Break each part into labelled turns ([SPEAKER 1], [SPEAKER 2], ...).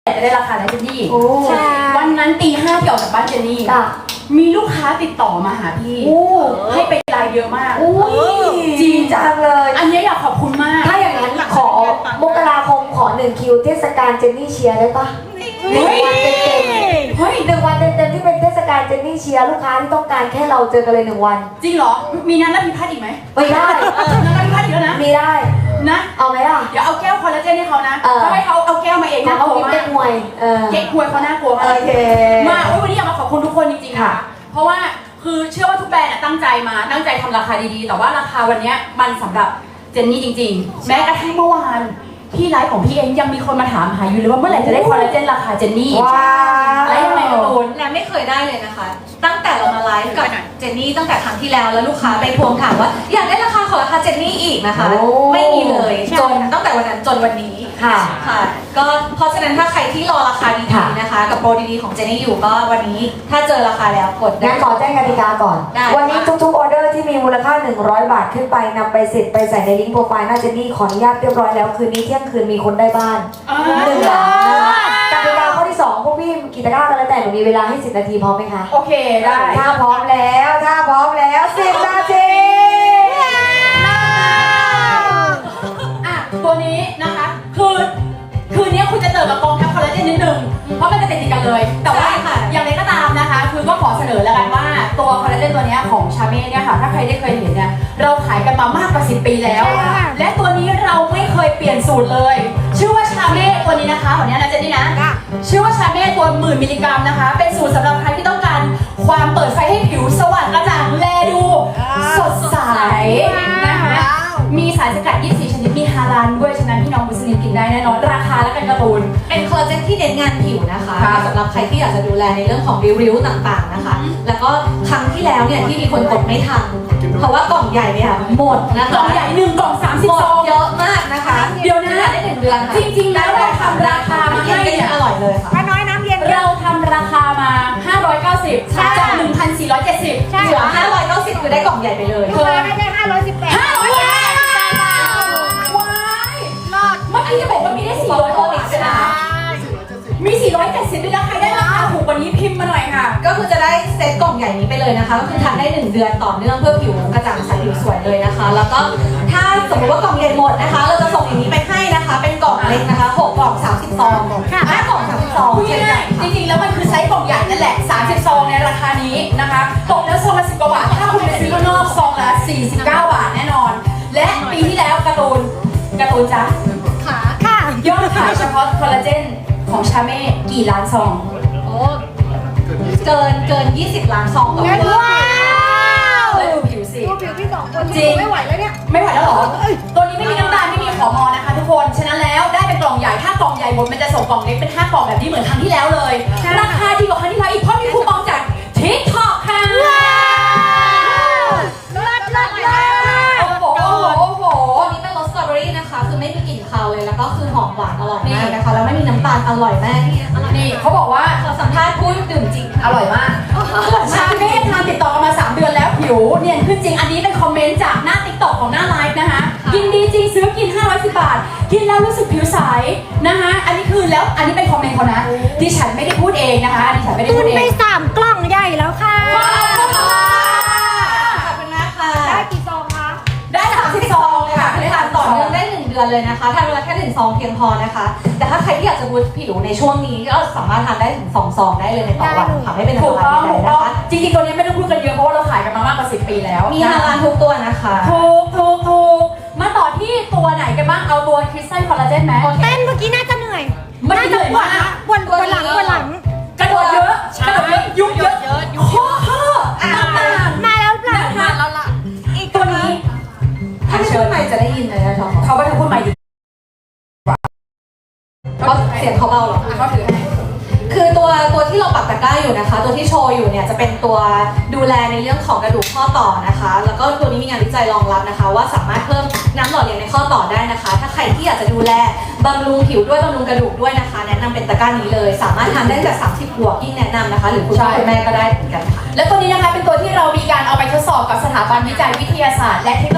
[SPEAKER 1] จะได้ราคานะเจนนี่
[SPEAKER 2] ใช่
[SPEAKER 1] วันนั้นตี 5ที่ออกจากบ้านเจนนี่มีลูกค้าติดต่อมาหาพี่ให้ไปไลน์เยอะมาก
[SPEAKER 2] จริงจังเลย
[SPEAKER 1] อันนี้อยากขอบคุณมาก
[SPEAKER 2] ถ้าอย่างนั้นขอมกราคมขอ1 คิวเทศกาลเจนนี่เชียร์ได้ปะ1 วันเต็มๆเฮ้ย1 วันเต็มๆที่เป็นเทศกาลเจนนี่เชียร์ลูกค้าที่ต้องการแค่เราเจอกันเลย1 วัน
[SPEAKER 1] จริงเหรอมีนั้นแล้วมีพัดอีกไหม
[SPEAKER 2] ไม่ได้
[SPEAKER 1] นั้นแล้วมีพัดอีกแล้วนะ
[SPEAKER 2] มีได้
[SPEAKER 1] นะ
[SPEAKER 2] เอาไหมล่ะ
[SPEAKER 1] เดี๋ยวเอาแก้วคอลลาเจนให้เขานะถ้าให้เขาเอาแก้วมาเองน่ากลัวมาก
[SPEAKER 2] เก๊กฮวย
[SPEAKER 1] เก๊กฮวยเขาน่ากลัวมากมาวันนี้อยากมาขอบคุณทุกคนจริงๆค่ะเพราะว่าคือเชื่อว่าทุกแบรนด์ตั้งใจทำราคาดีๆแต่ว่าราคาวันนี้มันสำหรับเจนนี่จริงๆแม้กระทั่งเมื่อวานที่ไลฟ์ของพี่เองยังมีคนมาถามหาอยู่เลยว่าเมื่อไหร่จะได้คอลลาเจนราคาเจนนี่แล้วยังไงกระตูน
[SPEAKER 3] และไม่เคยได้เลยนะคะตั้งแต่เรามาไลฟ์กับเจนนี่ตั้งแต่ครั้งที่แล้วลูกค้าไปทวงถามว่าอยากได้ราคาของราคาเจนนี่อีกนะคะไม่มีเลยจนตั้งแต่วันนั้นจนวันนี้
[SPEAKER 2] ค่ะ
[SPEAKER 3] ก็เพราะฉะนั้นถ้าใครที่รอราคาดีๆนะคะกับโปรดีๆของเจนนี่อยู่ก็วันนี้ถ้าเจอราคาแล้วกด
[SPEAKER 2] งั้นขอแจ้งกติกาก่อนวันนี้ทุกๆออเดอร์ที่มีมูลค่า100 บาทขึ้นไปนำไปสิทธิ์ไปใส่ในลิงก์โปรไฟล์หน้าเจนนี่ขออนุญาตเรียบร้อยแล้วคืนนี้เที่ยงคืนมีคนได้บ้าน1 หลังกติกาข้อที่2พวกพี่กี่ตะกร้ากันแล้วแต่หนูมีเวลาให้10 นาทีพร้อมไหมคะ
[SPEAKER 1] โอเคได้
[SPEAKER 2] ถ้าพร้อมแล้ว10 นาที
[SPEAKER 1] ตัวนี้นะคะคืนนี้คุณจะเจอกับกองทัพคอลลาเจนนิดนึงเพราะมันจะติดกันเลยแต่ว่าอย่างไรก็ตามนะคะคือก็ขอเสนอแล้วกันว่าตัวคอลลาเจนตัวนี้ของชาเม่เนี่ยค่ะถ้าใครได้เคยเห็นเนี่ยเราขายกันมามากกว่า10 ปีแล้วและตัวนี้เราไม่เคยเปลี่ยนสูตรเลยชื่อว่าชาเม่ตัวนี้นะคะของนี้นะเจนนี่นะชื่อว่าชาเม่ตัว10,000 มิลลิกรัมนะคะเป็นสูตรสำหรับใครที่ต้องการความเปิดไฟให้ผิวสว่างกระจ่างแลดูสดใสนะคะมีสารสกัด24 ชนิดมีฮาลาลด้วยฉะนั้นพี่น้องมุสลิมกินได้แน่นอนราคาและกันการ์ตูน
[SPEAKER 3] เป็นคอลลาเจนที่เน้นงานผิวนะคะสำหรับใครที่อยากจะดูแลในเรื่องของริ้วๆต่างๆนะคะแล้วก็ครั้งที่แล้วเนี่ยที่มีคนกดไม่ทันเพราะว่ากล่องใหญ่เนี่ยหมดนะคะ
[SPEAKER 1] กล่องใหญ่1 กล่อง30 ซอง
[SPEAKER 3] เยอะมากนะคะ
[SPEAKER 1] เดี๋ยวนะ
[SPEAKER 3] ได้1 เดือน
[SPEAKER 1] จริงๆแล้วเราทำราคามาให้
[SPEAKER 3] อร่อยเลยค่ะ
[SPEAKER 2] ป้าน้อยน้ำเย็น
[SPEAKER 1] เราทำราคามา590จาก 1,470
[SPEAKER 3] เหลือ590คือได้กล่องใหญ่ไปเลย
[SPEAKER 2] ลูกค้าได้
[SPEAKER 1] เมื่อกี้จะบอกว่ามีได้400 นะมี470ด้วยนะใครได้ราคาถูกกว่านี้พิมพ์มาหน่อยค่ะ
[SPEAKER 3] ก็คือจะได้เซตกล่องใหญ่นี้ไปเลยนะคะก็คือทานได้1 เดือนต่อเนื่องเพื่อผิวกระจ่างใสผิวสวยเลยนะคะแล้วก็ถ้าสมมติว่ากล่องใหญ่หมดนะคะเราจะส่งอย่างนี้ไปให้นะคะเป็นกล่องเล็กนะคะ6 กล่อง30 ซอง5 กล่อง30 ซอง
[SPEAKER 1] จริงๆแล้วมันคือไซส์กล่องใหญ่นั่นแหละ30 ซองในราคานี้นะคะตกแล้วซองละ10 กว่าบาทถ้าคุณไปซื้อข้างนอกซองละ49 บาทแน่นอนและปีที่แล้วการ์ตูนจ๊ะยอดขายเฉพาะคอลลาเจนของชาเม่กี่ล้านซอง
[SPEAKER 3] เกิน20 ล้านซองต่อวัน
[SPEAKER 2] ว้าว
[SPEAKER 1] ดูผิวสิ
[SPEAKER 2] ดูผิวพี่2 คน
[SPEAKER 1] จริง
[SPEAKER 2] ไม่ไหวแล้วเนี่ย
[SPEAKER 1] ไม่ไหวแล้วหรอตัวนี้ไม่มีน้ำตาลไม่มีขอมอนะคะทุกคนฉะนั้นแล้วได้เป็นกล่องใหญ่ถ้ากล่องใหญ่หมดมันจะส่งกล่องเล็กเป็น5 กล่องแบบนี้เหมือนครั้งที่แล้วเลยราคาดีกว่าครั้งที่แล้วอีกเพราะมีคูปองจาก TikTok ค่ะ
[SPEAKER 3] โอ้โหตัวนี้เป็นรสสตรอเบอรี่นะคะคือไม่มีกลิ่นคาวเลยแล้วก็คือหอมหวานอร่อยมากนะคะแล้วไม่มีน้ำตาลอร่อยมาก
[SPEAKER 1] นี่เขาบอกว่า
[SPEAKER 3] ขอสัมภาษณ์พูดดื่มจริง
[SPEAKER 1] อร่อยมากชาเม่ทานติดต่อกันมา3 เดือนแล้วผิวเนียนขึ้นจริงอันนี้เป็นคอมเมนต์จากหน้า TikTok ของหน้าไลฟ์นะคะกินดีจริงซื้อกิน510 บาทกินแล้วรู้สึกผิวใสนะคะอันนี้คือแล้วอันนี้เป็นคอมเมนต์เขานะดิฉันไม่ได้พูดเองนะคะดิฉันไม่ได้พูดเอง
[SPEAKER 2] ไป3 กล่องใหญ่แล้วค่ะ
[SPEAKER 3] ขอบคุณมากค่ะ
[SPEAKER 2] ได้กี่ซองคะ
[SPEAKER 1] ได้30 ซองเลยค่ะ
[SPEAKER 3] ทานต่อเนื่องได้1 เดือนเลยนะคะทานเวลาแค่1 ซองเพียงพอนะคะแต่ถ้าใครที่อยากจะบูสต์ผิวในช่วงนี้ก็สามารถทานได้ถึง2 ซองได้เลยในต่อวันค่ะไม่เป็นอันตรายใดๆนะคะ
[SPEAKER 1] จริงๆตัวนี้ไม่ต้องพูดกันเยอะเพราะว่าเราขายกันมามากกว่า10 ปีแล้ว
[SPEAKER 3] มีฮาลาลทุกตัวนะคะ
[SPEAKER 1] ถูกมาต่อที่ตัวไหนกันบ้างเอาตัวคริสตัลคอลลาเจนไหม
[SPEAKER 2] เต้นเมื่อกี้น่าจะเหนื่อย
[SPEAKER 1] ไม่เหนื่อยมาก
[SPEAKER 2] วันหลัง
[SPEAKER 1] กระโดดเยอะยุบเยอะข้อ
[SPEAKER 2] มาแล้วล่ะ
[SPEAKER 1] อีกตัวนี้
[SPEAKER 3] ถ้าไม่พูดใหม่จะได้ยินเลยนะคะ
[SPEAKER 1] เขาว่าถ้าพูดใหม่ดีกว่า
[SPEAKER 3] เพราะเสียงเขาเบาหรอ
[SPEAKER 1] เขาถือให้
[SPEAKER 3] คือตัวที่เราปักตะกร้าอยู่นะคะตัวที่โชว์อยู่เนี่ยจะเป็นตัวดูแลในเรื่องของกระดูกข้อต่อนะคะแล้วก็ตัวนี้มีงานวิจัยรองรับนะคะว่าสามารถเพิ่มน้ำหล่อเลี้ยงในข้อต่อได้นะคะถ้าใครที่อยากจะดูแลบำรุงผิวด้วยบำรุงกระดูกด้วยนะคะแนะนำเป็นตะกร้านี้เลยสามารถทำได้จาก30 บวกยิ่งแนะนำนะคะหรือคุณพ่อคุณแม่ก็ได้เหมือนกันค่ะ
[SPEAKER 1] และตัวนี้นะคะเป็นตัวที่เรามีการเอาไปทดสอบกับสถาบันวิจัยวิทยาศาสตร์และเทคโนโลยีแห่งประเทศ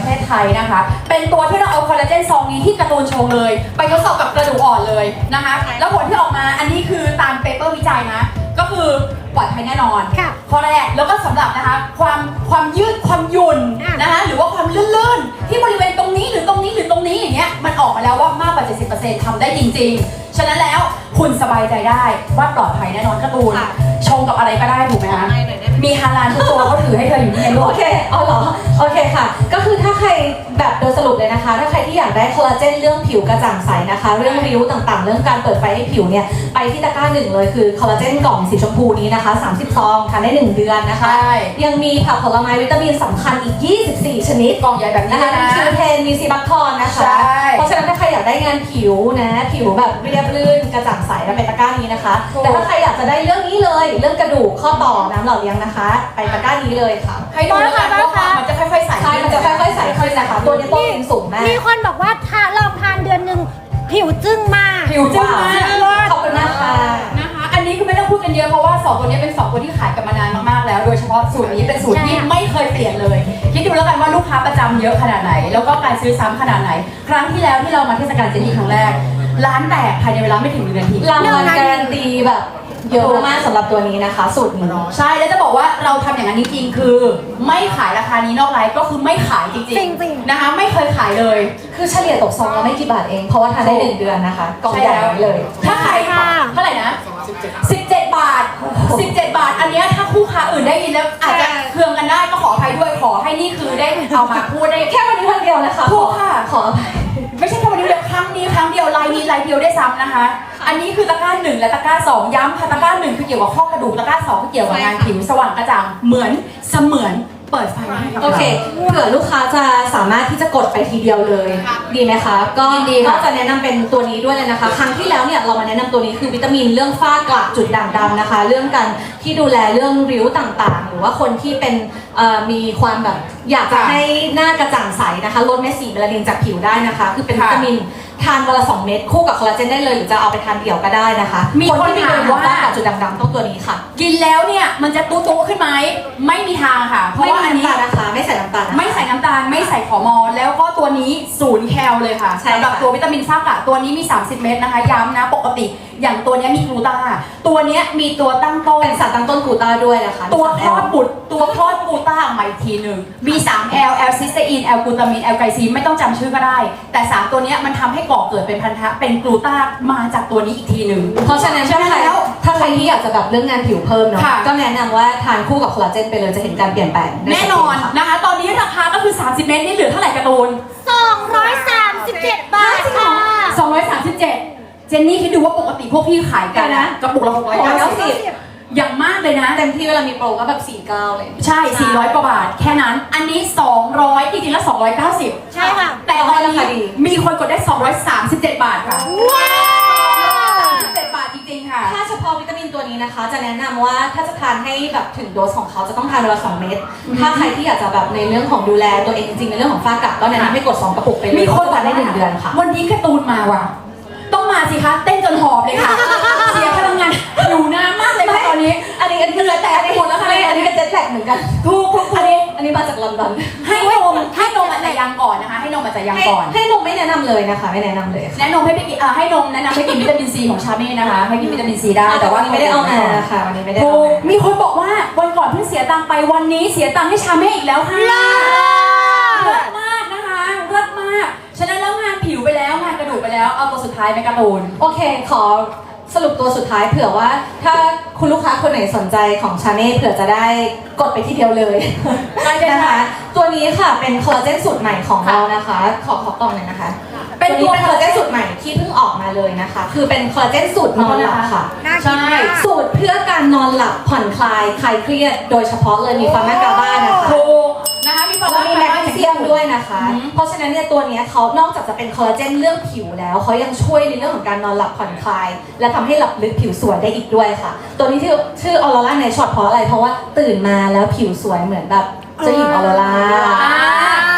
[SPEAKER 1] ประเทศไทยนะคะ เป็นตัวที่เราเอาคอลลาเจนซองนี้ที่การ์ตูนโชว์เลย ไปทดสอบกับกระดูกอ่อนเลยนะคะ แล้วผลที่ออกมาอันนี้คือตามเปเปอร์วิจัยนะ ก็คือปลอดภัยแน่นอนข้อแรกแล้วก็สำหรับนะคะความยืดความหยุ่นนะคะหรือว่าความลื่นๆที่บริเวณตรงนี้หรือตรงนี้หรือตรงนี้อย่างเงี้ยมันออกมาแล้วว่ามากกว่า 70% ทำได้จริงๆ ฉะนั้นแล้วคุณสบายใจได้ว่าปลอดภัยแน่นอนการ์ตูนชงกับอะไรก็ได้ถูกไหมคะมีฮาลาลทุกตัวเขาถือให้เธออยู่นี่ไงลูก
[SPEAKER 3] โอเคเอาเหรอโอเคค่ะ ก็คือถ้าใครแบบโดยสรุปเลยนะคะ ถ้าใครที่อยากได้คอลลาเจนเรื่องผิวกระจ่างใสนะคะ เรื่องริ้วต่างๆ เรื่องการเปิดไฟให้ผิวเนี่ยไปที่ตะกร้าหนึ่งเลยคือคอลลาเจนกล่องสีชมพูนี้นะคะ30ซองทานได้1เดือนนะคะ
[SPEAKER 1] ใช่
[SPEAKER 3] ยังมีผักผลไม้วิตามินสำคัญอีก24ชนิด
[SPEAKER 1] กล่องใหญ่แบบนี้
[SPEAKER 3] นะคะ
[SPEAKER 1] นะ
[SPEAKER 3] มีคิวเทนมีซีบัคทอนนะคะ
[SPEAKER 1] ใช่
[SPEAKER 3] เพราะฉะนั้นถ้าใครอยากได้งานผิวนะผิวแบบเรียบลื่นกระจ่างใสแล้วเป็นตะกร้านี้นะคะ แต่ถ้าใครอยากจะได้เรื่องนี้เลยเรื่องกระดูกข้อต่อน้ำหล่อเลี้ยงนะคะ ไปตะกร้านี้เลยค่ะ
[SPEAKER 1] ให้ดูแล้วกันว่ามันจะค่อยๆใส่
[SPEAKER 3] ใช่มันจะค่อยๆใส่ขึ้นนะคะตัวนี้โปรตีนสูงมาก
[SPEAKER 4] มีคนบอกว่าลองทานเดือนหนึ่งผิวจึ้งมาก
[SPEAKER 1] ผิวจึ้งมาก
[SPEAKER 3] ขอบคุณมากค่ะ
[SPEAKER 1] นะคะ อันนี้คือไม่ต้องพูดกันเยอะเพราะว่า2ตัวนี้เป็น2ตัวที่ขายกันมานานมากๆแล้ว โดยเฉพาะสูตรนี้เป็นสูตรที่ไม่เคยเปลี่ยนเลย คิดดูแล้วกันว่าลูกค้าประจำเยอะขนาดไหน แล้วก็การซื้อซ้ำขนาดไหน ครั้งที่แล้วที่เรามาเทศกาลเจนนี่ครั้งแรก ร้านแตกภายในเวลาไม่ถึง1 นาที
[SPEAKER 3] รางวัลการันตีแบบเยอะมากสำหรับตัวนี้นะคะ สูตรนี้
[SPEAKER 1] ใช่ แล้วจะบอกว่าเราทำอย่างนั้นจริงๆ คือ ไม่ขายราคานี้นอกไลฟ์ก็คือไม่ขายจริง
[SPEAKER 4] จริงๆ
[SPEAKER 1] นะคะ ไม่เคยขายเลย
[SPEAKER 3] คือเฉลี่ยตกซองละไม่กี่บาทเอง เพราะว่าทานได้1เดือนนะคะกล่องใหญ่เลย
[SPEAKER 1] ถ้าขายเท่าไหร่นะ 17 บาท 17 บาท อันเนี้ยถ้าคู่ค้าอื่นได้ยินแล้วอาจจะเคืองกันได้ก็ขออภัยด้วย ขอให้นี่คือได้เอามาพูดได้
[SPEAKER 3] แค่วันนี้วันเดียวนะคะ
[SPEAKER 1] ถูกค่ะ
[SPEAKER 3] ขออภัย
[SPEAKER 1] ไม่ใช่แค่วันนี้เดียวครั้งนี้ครั้งเดียวไลน์นี้ไลน์เดียวได้ซ้ำนะคะ อันนี้คือตะกร้า1และตะกร้า2ย้ำค่ะตะกร้า1คือเกี่ยวกับข้อกระดูกตะกร้า2คือเกี่ยวกับงานผิวสว่างกระจ่างเหมือนเสมือนเปิดไฟให้กับ
[SPEAKER 3] โอ
[SPEAKER 1] เรา
[SPEAKER 3] เคเผื่อลูกค้าจะสามารถที่จะกดไปทีเดียวเลย ดีไหมคะ ก็
[SPEAKER 1] ดีค่ะ
[SPEAKER 3] นอกจากแนะนำเป็นตัวนี้ด้วยเลยนะคะ ครั้งที่แล้วเนี่ยเรามาแนะนำตัวนี้คือวิตามินเรื่องฝ้ากระจุดด่างดำนะคะ เรื่องการที่ดูแลเรื่องริ้วต่างๆ หรือว่าคนที่เป็นมีความแบบอยากจะให้หน้ากระจ่างใสนะคะลดเม็ดสีเมลานินจากผิวได้นะคะ คือเป็นวิตามินทานวันละ2 เม็ดคู่กับคอลลาเจนได้เลยหรือจะเอาไปทานเดี่ยวก็ได้นะคะ
[SPEAKER 1] มีคน
[SPEAKER 3] ที่
[SPEAKER 1] ถาม
[SPEAKER 3] มี
[SPEAKER 1] ว่า
[SPEAKER 3] ฝ้ากระจุดด่างดำต้องตัวนี้ค่ะ
[SPEAKER 1] กินแล้วเนี่ยมันจะตุ๊ๆขึ้นไหมไม่มีทางค่ะ เพราะ
[SPEAKER 3] ไม่
[SPEAKER 1] ว่า
[SPEAKER 3] มี
[SPEAKER 1] อันนี้
[SPEAKER 3] น้ำตาลนะคะไม่ใส่น้ำตาลนะคะ
[SPEAKER 1] ไม่ใส่น้ำตาลไม่ใส่ขอมอแล้วก็ตัวนี้0 แคลเลยค่ะ
[SPEAKER 3] ใช่ค่ะ
[SPEAKER 1] สำหรับตัววิตามินฝ้ากระตัวนี้มี30 เม็ดนะคะย้ำนะปกติอย่างตัวเนี้ยมีกลูตาตัวเนี้ยมีตัวตั้งต้น
[SPEAKER 3] เป็นสารตั้งต้นกลูตาด้วยนะคะ
[SPEAKER 1] ตัวคลอดบุตรตัวคลอดกลูต้าออกมาอีกทีหนึ่งมี 3L L ซิสเตอีน L กลูตามิน L ไกลซีนไม่ต้องจำชื่อก็ได้ แต่ 3 ตัวเนี้ยมันทำให้ก่อเกิดเป็นพันธะเป็นกลูต้ามาจากตัวนี้อีกทีหนึ่ง
[SPEAKER 3] เพราะฉะนั้นถ้าใครถ้าใครที่อยากจะแบบเรื่องงานผิวเพิ่มเนาะ
[SPEAKER 1] ค่ะ
[SPEAKER 3] ก็แนะนำว่าทานคู่กับคอลลาเจนไปเลยจะเห็นการเปลี่ยนแปลงได้
[SPEAKER 1] แน่นอน
[SPEAKER 3] ชัดเจค่ะ
[SPEAKER 1] นะคะ ตอนนี้ราคาก็คือ 30 เมตรนี่เหลือเท่าไหร่การ์ตูน
[SPEAKER 4] 237 บาทค่ะ
[SPEAKER 1] 237 เจนนี่คิดดูว่าปกติพวกพี่ขายกันนะกระปุกละ690อย่างมากเลยนะ
[SPEAKER 3] เต็มที่เวลามีโปรก็แบบ49เลย
[SPEAKER 1] ใช่ 400 กว่าบาท แค่นั้น อันนี้ 200 จริงๆแล้ว 290
[SPEAKER 4] ใช่ค่ะ
[SPEAKER 1] แต่ตอนนี้มีคนกดได้ 237 บาทค่ะ
[SPEAKER 4] ว้าว
[SPEAKER 1] 237 บาทจริงๆค่ะ
[SPEAKER 3] ถ้าเฉพาะวิตามินตัวนี้นะคะ จะแนะนำว่าถ้าจะทานให้แบบถึงโดสของเขาจะต้องทานวันละ2 เม็ดถ้าใครที่อยากจะแบบในเรื่องของดูแลตัวเองจริงๆในเรื่องของฝ้ากระก็แนะนำให้กด2 กระปุกไปเลย
[SPEAKER 1] มีคน
[SPEAKER 3] ทานได้1 เดือนค่ะ
[SPEAKER 1] วันนี้การ์ตูนมาว่ะ ต้องมาสิคะ เต้นจนหอบเลยค่ะ เสียพลังงานอยู่นานมากเลยค่ะตอนนี้
[SPEAKER 3] อันนี้เหงื่อแตกไปหมดแล้วค่ะอันนี้เป็นเจ็ตแลกเหมือนกัน
[SPEAKER 1] ถูก
[SPEAKER 3] อันนี้มาจากลอนดอน
[SPEAKER 1] ให้นมอาจจะยังก่อนนะคะ ให้นมอาจจะยังก่อน
[SPEAKER 3] ให้นมไม่แนะนำเลยนะคะไม่แนะนำเลยค่ะ
[SPEAKER 1] แนะนำให้ไปกินให้นมแนะนำให้กินวิตามินซีของชาเม่นะคะ ให้กินวิตามินซีได้ แต่ว่า
[SPEAKER 3] ไม่ได้เอามาค่ะวันนี้ไม่ได้
[SPEAKER 1] ถู
[SPEAKER 3] เอา
[SPEAKER 1] ก
[SPEAKER 3] มา
[SPEAKER 1] มีคนบอกว่าวันก่อนเพิ่งเสียตังค์ไปวันนี้เสียตังค์ให้ชาเม่อีกแล้วค่ะเลิศมากนะคะเลิศมาก ฉะนั้นแล้วงานผิวไปแล้วงานกระดูกไปแล้วเอาตัวสุดท้ายไหมการ์ตูน
[SPEAKER 3] โอเคขอสรุปตัวสุดท้ายเผื่อว่าถ้าคุณลูกค้าคนไหนสนใจของชาเม่เผื่อจะได้กดไปที่เดียวเลย
[SPEAKER 1] ได้เลยค่ะ
[SPEAKER 3] นะคะตัวนี้ค่ะเป็นคอลลาเจนสูตรใหม่ของเรานะคะ ขอกล่องหน่อยนะคะ
[SPEAKER 1] เป็น
[SPEAKER 3] ตัว
[SPEAKER 1] ตัว
[SPEAKER 3] นี้เป็นคอลลาเจนสูตรใหม่ที่เพิ่งออกมาเลยนะคะ คือเป็นคอลลาเจนสูตรนอนหลับค่ะ
[SPEAKER 4] น่ากิน
[SPEAKER 1] ใช่
[SPEAKER 4] มาก
[SPEAKER 3] สูตรเพื่อการนอนหลับผ่อนคลายคลายเครียดโดยเฉพาะเลยมีฟาร์มากาบ้านะคะ
[SPEAKER 1] ถูกนะคะมีฟา
[SPEAKER 3] แล้ว
[SPEAKER 1] ร์
[SPEAKER 3] มีแมกนีเซียมด้วยนะคะ
[SPEAKER 1] อืม
[SPEAKER 3] เพราะฉะนั้นเนี่ยตัวเนี้ยเขานอกจากจะเป็นคอลลาเจนเรื่องผิวแล้วเขายังช่วยในเรื่องของการนอนหลับผ่อนคลาย และทำให้หลับลึกผิวสวยได้อีกด้วยค่ะ ตัวนี้ชื่อออโรราในช็อตเพราะอะไรเพราะว่าตื่นมาแล้วผิวสวยเหมือนแบบเจ้าหญิงออโรรา
[SPEAKER 1] อ่า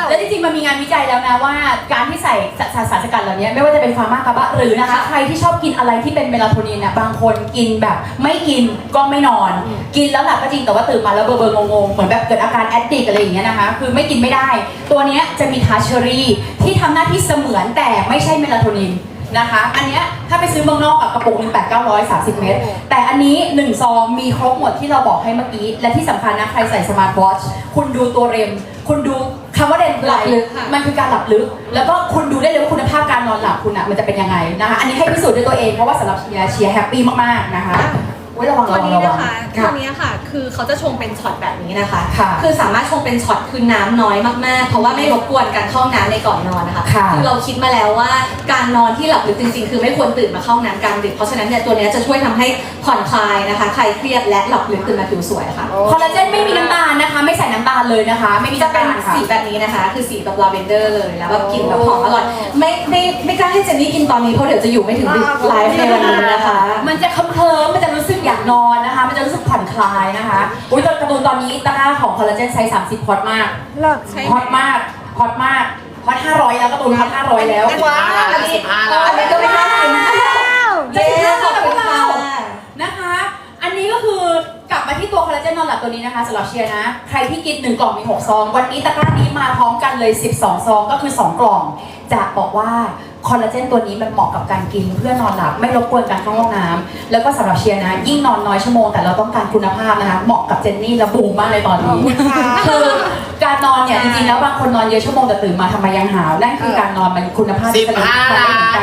[SPEAKER 1] แล้วจริงๆมันมีงานวิจัยแล้วนะว่าการที่ใส่สารสกัดเหล่านี้ไม่ว่าจะเป็นฟาร์มากาบะหรือนะคะใครที่ชอบกินอะไรที่เป็นเมลาโทนินเนี่ยบางคนกินแบบไม่กินก็ไม่นอน กินแล้วหลับก็จริงแต่ว่าตื่นมาแล้วเบลอๆงงๆเหมือนแบบเกิดอาการแอดดิกอะไรอย่างเงี้ยนะคะคือไม่กินไม่ได้ตัวเนี้ยจะมีทาเชอรี่ที่ทำหน้าที่เสมือนแต่ไม่ใช่เมลาโทนินนะคะอันเนี้ยถ้าไปซื้อเมืองนอกกับกระปุกหนึ่ง8,930 เม็ดแต่อันนี้1ซองมีครบหมดที่เราบอกให้เมื่อกี้และที่สำคัญนะใครใส่สมาร์ทวอทช์คุณดูตัวเรมคุณดูคำว่าเรมคืออะไรมันคือการหลับลึกแล้วก็คุณดูได้เลยว่าคุณภาพการนอนหลับคุณมันจะเป็นยังไงนะคะอันนี้ให้พิสูจน์ด้วยตัวเองเพราะว่าสำหรับเชียร์แฮปปี้มากๆนะคะระวัง
[SPEAKER 3] ตัวนี้
[SPEAKER 1] ระวั
[SPEAKER 3] นะ
[SPEAKER 1] ง
[SPEAKER 3] คะตัวนี้ค่ะคือเขาจะชงเป็นช็อตแบบนี้นะคะ
[SPEAKER 1] ค่ะ
[SPEAKER 3] คือสามารถชงเป็นช็อตคือน้ำน้อยมากๆเพราะว่าไม่รบกวนการเข้าน้ำในก่อนนอนนะคะ
[SPEAKER 1] ค่ะ
[SPEAKER 3] คือเราคิดมาแล้วว่าการนอนที่หลับลึกจริงๆ คือไม่ควรตื่นมาเข้าน้ำกลางดึกเพราะฉะนั้นเนี่ยตัวนี้จะช่วยทำให้ผ่อนคลายนะคะคลายเครียดและหลับลึกตื่นมาผิวสวยค่ะ
[SPEAKER 1] คอลลาเจนไม่มีน้ำตาลนะคะไม่ใส่น้ำตาลเลยนะคะไม่มี
[SPEAKER 3] จะ
[SPEAKER 1] น้ำ
[SPEAKER 3] เป็น
[SPEAKER 1] ตาลค่ะ
[SPEAKER 3] สีแบบนี้นะคะ คือสีแบบลาเวนเดอร์เลยแล้วแบบกลิ่นแบบหอมอร่อยไม่กล้าให้เจนนี่กินตอนนี้เพราะเดี๋ยวจะอยู่ไม่ถึงดึกไลฟ์ในวันนี้นะคะ
[SPEAKER 1] มันจะเคลิ้มๆมันจะรู้สึกอยากนอนนะคะมันจะรู้สึกผ่อนคลายนะคะอุ้ยตอนการ์ตูนตอนนี้ตะกร้าของคอลลาเจนไซส์30ฮอตมาก
[SPEAKER 4] เลิก
[SPEAKER 1] ฮอตมากฮอตมากฮอต500แล้วการ์ตูนฮอต500แล้ว
[SPEAKER 2] ว้าวอันนี้ก็ไม่กล้ากิน
[SPEAKER 3] เย้ขอบคุณค่ะ
[SPEAKER 1] นะคะ อันนี้ก็คือกลับมาที่ตัวคอลลาเจนนอนหลับตัวนี้นะคะสำหรับเชียร์นะใครที่กิน1กล่องมี6ซองวันนี้ตะกร้านี้มาพร้อมกันเลย12ซองก็คือ2กล่องจะบอกว่าคอลลาเจนตัวนี้มันเหมาะกับการกินเพื่อนอนหลับไม่รบกวนการเข้าห้องน้ำแล้วก็สำหรับเชียร์นะยิ่งนอนน้อยชั่วโมงแต่เราต้องการคุณภาพนะคะเหมาะกับเจนนี่และบูมมากเลยตอนนี้คือการนอนเนี่ยจริงๆแล้วบางคนนอนเยอะชั่วโมงแต่ตื่นมาทำไมยังหาวนั่นคือการนอนมันคุณภาพที่มันไม่เหมือนกัน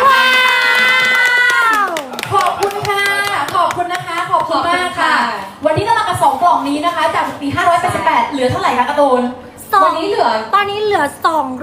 [SPEAKER 1] ขอบคุณค่ะขอบคุณนะคะขอบคุณมากค่ะ วันนี้เรามากับ2กล่องนี้นะคะจากปี588เหลือเท่าไหร่คะการ์ตูน
[SPEAKER 3] วันนี้เหลือ
[SPEAKER 4] ตอนนี้เหลือ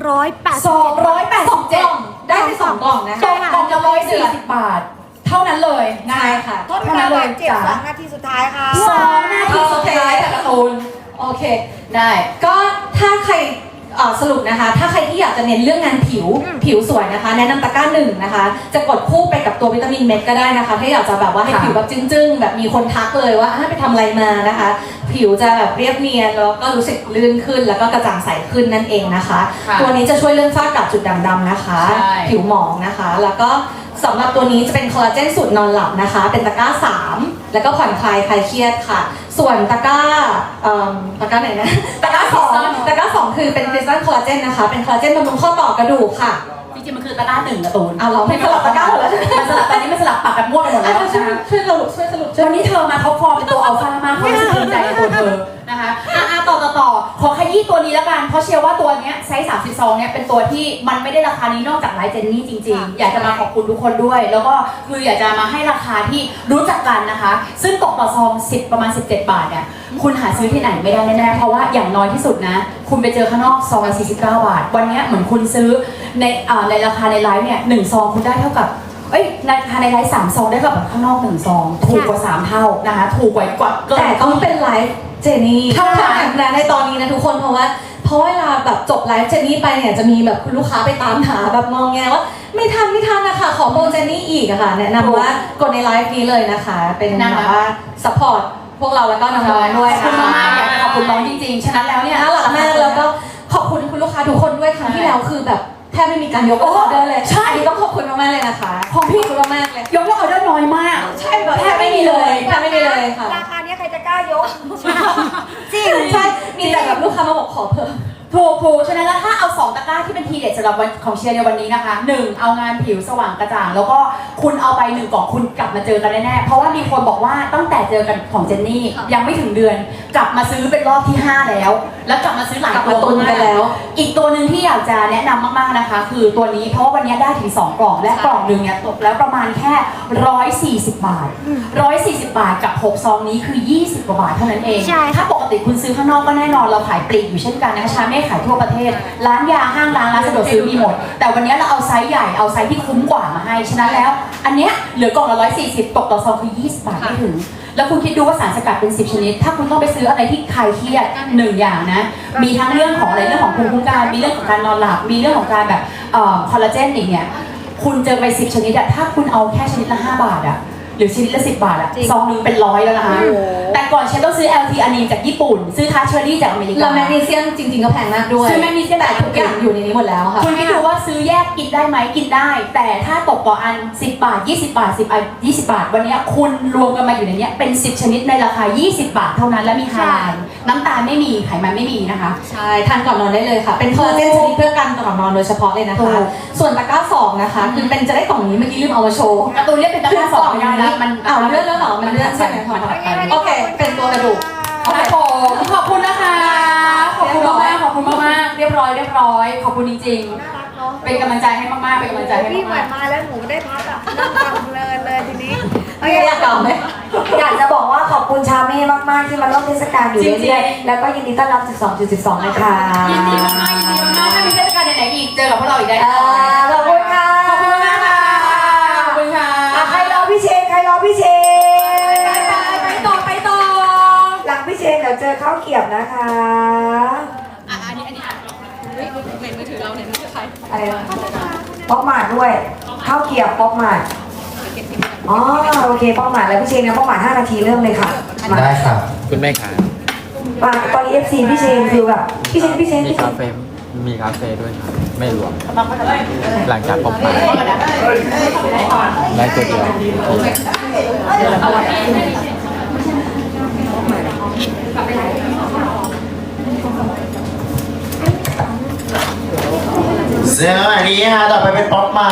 [SPEAKER 1] 287
[SPEAKER 3] ได้ไป2กล่องนะ
[SPEAKER 1] ตกกล่องละ140 บาท เท่านั้นเลยนะ
[SPEAKER 3] ใช่ค่ะ
[SPEAKER 2] โทษเวลาบาดเจ็บ2 นาทีสุดท้ายค่ะ
[SPEAKER 1] 2 นาทีสุดท้ายค่ะการ์ตูน
[SPEAKER 3] โอเค
[SPEAKER 1] ได้
[SPEAKER 3] ก็ถ้าใครสรุปนะคะ ถ้าใครที่อยากจะเน้นเรื่องงานผิวสวยนะคะ แนะนำตะกร้า1นะคะ จะกดคู่ไปกับตัววิตามินเม็ดก็ได้นะคะ ถ้าอยากจะแบบว่าให้ผิวแบบจึ้งๆ แบบมีคนทักเลยว่าไปทำอะไรมานะคะ ผิวจะแบบเรียบเนียนแล้วก็รู้สึกลื่นขึ้นแล้วก็กระจ่างใสขึ้นนั่นเองนะคะ ตัวนี้จะช่วยเรื่องฝ้ากระจุดด่างดำนะคะ ผิวหมองนะคะ แล้วก็สำหรับตัวนี้จะเป็นคอลลาเจนสูตรนอนหลับนะคะ เป็นตะกร้า3แล้วก็ผ่อนคลายคลายเครียดค่ะ ส่วนตะกร้าไหนนะตะกร้า2คือเป็นคริสตัลคอลลาเจนนะคะ เป็นคอลลาเจนบำรุงข้อต่อกระดูกค่ะ
[SPEAKER 1] จริงๆมันคือตะกร้า1การ์ตูน
[SPEAKER 3] เราไม่สลับตะกร้าหมดแล้ว
[SPEAKER 1] มันสลับตอนนี้มันสลับปากกันมั่วไปหมดแล้วนะคะ
[SPEAKER 3] ช่วยสรุป
[SPEAKER 1] วันนี้เธอมาท็อปฟอร์มเป็นตัวอัลฟามากเขารู้สึกภูมิใจในตัวเธอนะคะต่อขอขยี้ตัวนี้แล้วกันเพราะเชื่อว่าตัวเนี้ยไซส์30ซองเนี้ยเป็นตัวที่มันไม่ได้ราคานี้นอกจากไลฟ์เจนนี่จริงๆอยากจะมาขอบคุณทุกคนด้วย แล้วก็คืออยากจะมาให้ราคาที่รู้จักกันนะคะ ซึ่งตกต่อซองประมาณ17 บาทเนี่ยคุณหาซื้อที่ไหนไม่ได้แน่ๆเพราะว่าอย่างน้อยที่สุดนะคุณไปเจอข้างนอกซองละ49 บาทวันนี้เหมือนคุณซื้อในราคาในไลฟ์เนี่ย1ซองคุณได้เท่ากับราคาในไลฟ์3ซองได้กับข้างนอก1ซองถูกกว่า3เท่านะคะถูกกว่าเกิน
[SPEAKER 3] แต่ต้องเป็นไลฟ์เจนี่
[SPEAKER 1] เท่านั้น
[SPEAKER 3] นะในตอนนี้นะทุกคนเพราะเวลาแบบจบไลฟ์เจนนี่ไปเนี่ยจะมีแบบคุณลูกค้าไปตามหาแบบมองแงว่าไม่ทันนะคะขอโปรเจนนี่อีกอะค่ะแนะนำว่ากดในไลฟ์นี้เลยนะคะ เป็นแบบว่าซัพพอร์ตพวกเราแล้วก็น้องๆด้วย
[SPEAKER 1] ขอบคุณมากๆอยากจะขอบคุณน้องจริงๆฉะนั้นแล้วเนี่ย
[SPEAKER 3] น่ารักมากแล้วก็ขอบคุณคุณลูกค้าทุกคนด้วยครั้งที่แล้วคือแบบแทบไม่มีการยกออเดอร์เลย
[SPEAKER 1] ใช่
[SPEAKER 3] อันนี้ต้องขอบคุณมากๆเลยนะคะ
[SPEAKER 1] ของพี่
[SPEAKER 3] ขอบคุณมากๆเลย
[SPEAKER 1] ยกเลิกออเดอร์น้อยมาก
[SPEAKER 3] ใช่แบบแทบไม่มีเลยค่ะ
[SPEAKER 2] ราคานี้ใครจะกล้ายก
[SPEAKER 3] จริงใช่มีแต่แบบลูกค้ามาบอกขอเพิ่ม
[SPEAKER 1] ถูกฉะนั้นแล้วถ้าเอา2ตะกร้าที่เป็นทีเด็ดสำหรับวันของเชียร์ในวันนี้นะคะ1เอางานผิวสว่างกระจ่างแล้วก็คุณเอาไป1กล่องคุณกลับมาเจอกันแน่ๆเพราะว่ามีคนบอกว่าตั้งแต่เจอกันของเจนนี่ยังไม่ถึงเดือนกลับมาซื้อเป็นรอบที่5แล้วกลับมาซื้อหลายตัว
[SPEAKER 3] ตุนกันแล้ว
[SPEAKER 1] อีกตัวหนึ่งที่อยากจะแนะนำมากๆนะคะ คือตัวนี้เพราะว่าวันนี้ได้ถึง2กล่องและกล่องหนึ่งเนี่ยตกแล้วประมาณแค่140 บาท140 บาทกับ6ซองนี้คือ20 กว่าบาทเท่านั้นเอง
[SPEAKER 4] ใช่ค่ะ
[SPEAKER 1] ถ้าปกติคุณซื้อข้างนอกก็แน่นอนเราขายปลีกอยู่เช่นกันนะคะชาเม่ขายทั่วประเทศ ร้านยาห้างร้านสะดวกซื้อมีหมด แต่วันนี้เราเอาไซส์ใหญ่เอาไซส์ที่คุ้มกว่ามาให้ฉะนั้นแล้ว อันเนี้ยเหลือกล่องละ140ตกต่อซองคือ20 บาทไม่ถึง แล้วคุณคิดดูว่าสารสกัดเป็น10ชนิดถ้าคุณต้องไปซื้ออะไรที่คลายเครียด1อย่างนะมีทั้งเรื่องของอะไรเรื่องของภูมิคุ้มกันมีเรื่องของการนอนหลับมีเรื่องของการแบบคอลลาเจนอีกเนี่ยคุณเจอไป10ชนิดอะถ้าคุณเอาแค่ชนิดละ5 บาทอะรือชิ้นละ10 บาทอะ
[SPEAKER 4] จริง
[SPEAKER 1] ซองนึงเป็น100แล้วนะคะ แต่ก่อนเชนต้องซื้อ LT อันนี้จากญี่ปุ่น ซื้อทัชเชอรี่จากอเมริกา
[SPEAKER 3] แล้วแมกนีเซียมจริงๆก็แพงมากด้วย
[SPEAKER 1] ซื้อแมกนีเซียม
[SPEAKER 3] แต่ทุกอย่างอยู่ในนี้หมดแล้วค่ะ
[SPEAKER 1] คุณคิดดูว่าซื้อแยกกินได้ไหมกินได้ แต่ถ้าตกต่ออัน 10 บาท 20 บาท 10 อัน 20 บาท วันนี้คุณรวมกันมาอยู่ในนี้เป็น 10 ชนิดในราคา 20 บาทเท่านั้นและมีฮาลาลน้ำตาลไม่มีไขมันไม่มีนะคะ
[SPEAKER 3] ใช่ทานก่อนนอนได้เลยค่ะ เป็นคอลลาเจนชนิดเพื่อกันก่อนนอนโดยเฉพาะเลยนะคะ ส่วนตะกร้าสองนะคะคือเป็นจะได้กล่องนี้เมื่อกี้ลืมเอามาโชว์
[SPEAKER 1] การ์ตูนเรียกเป็นตะกร้าสองไม่ได้แล้วมัน
[SPEAKER 3] เอาเลื่อนแล้วเหรอมันเลื่อนใช่ไหมคะ
[SPEAKER 1] มันถัดไป
[SPEAKER 3] โอเค เป็นตัวกระดูก
[SPEAKER 1] ครับผมขอบคุณนะคะ ขอบคุณมากๆขอบคุณมากๆเรียบร้อยขอบคุณจริง
[SPEAKER 4] น่ารักเนาะ
[SPEAKER 1] ๆ เป็นกำลังใจให้มากๆเป็นกำลังใจให้
[SPEAKER 4] พี่เหมื
[SPEAKER 1] มา
[SPEAKER 4] อก นมาแล้วหนูได้พักอ่ะนั่งฟังเพลินเลยทีนี้
[SPEAKER 3] โอเคอยากเก่าไหม
[SPEAKER 2] อยากจะบอกว่าขอบคุณชาเม่มากๆที่มาร่วมเทศกาลอยู่เรื่อยๆแล้วก็ยินดีต้อนรับ 12.12 นะคะ
[SPEAKER 1] ๆยินดีมากๆยินดีมากๆถ้ามีเทศกาลไหนๆอีกเจอกับพวกเราอีกได้
[SPEAKER 2] ขอบคุณค่ะ
[SPEAKER 1] ขอบคุณมากค่ะขอบคุณค่ะ
[SPEAKER 2] ใครรอพี่เชน
[SPEAKER 1] ไปต่อ
[SPEAKER 2] หลังพี่เชนเดี๋ยวเจอข้าวเกรียบนะคะ
[SPEAKER 1] อันนี้
[SPEAKER 3] ในมือถือเราเนี่ยนี่คือใคร
[SPEAKER 2] อะไรนะป๊อกหมาดด้วยข้าวเกรียบป๊อกหมาดอ๋อโอเคป๊อกหมาดแล้วพี่เชนเนี่ยป๊อกหมาด5 นาทีเริ่มเลยค่ะมา
[SPEAKER 5] ได้ครับ
[SPEAKER 6] คุณแม่ขา
[SPEAKER 2] ตอนนี้ FC พี่เชนคือแบบพี่เชน
[SPEAKER 6] มีคาเฟ่มีคาเฟ่ด้วยครับ ไม่รวม หลังจากพบมาได้ตัวเดียว
[SPEAKER 5] สวัสดีค่ะต่อไปเป็นป๊อปมา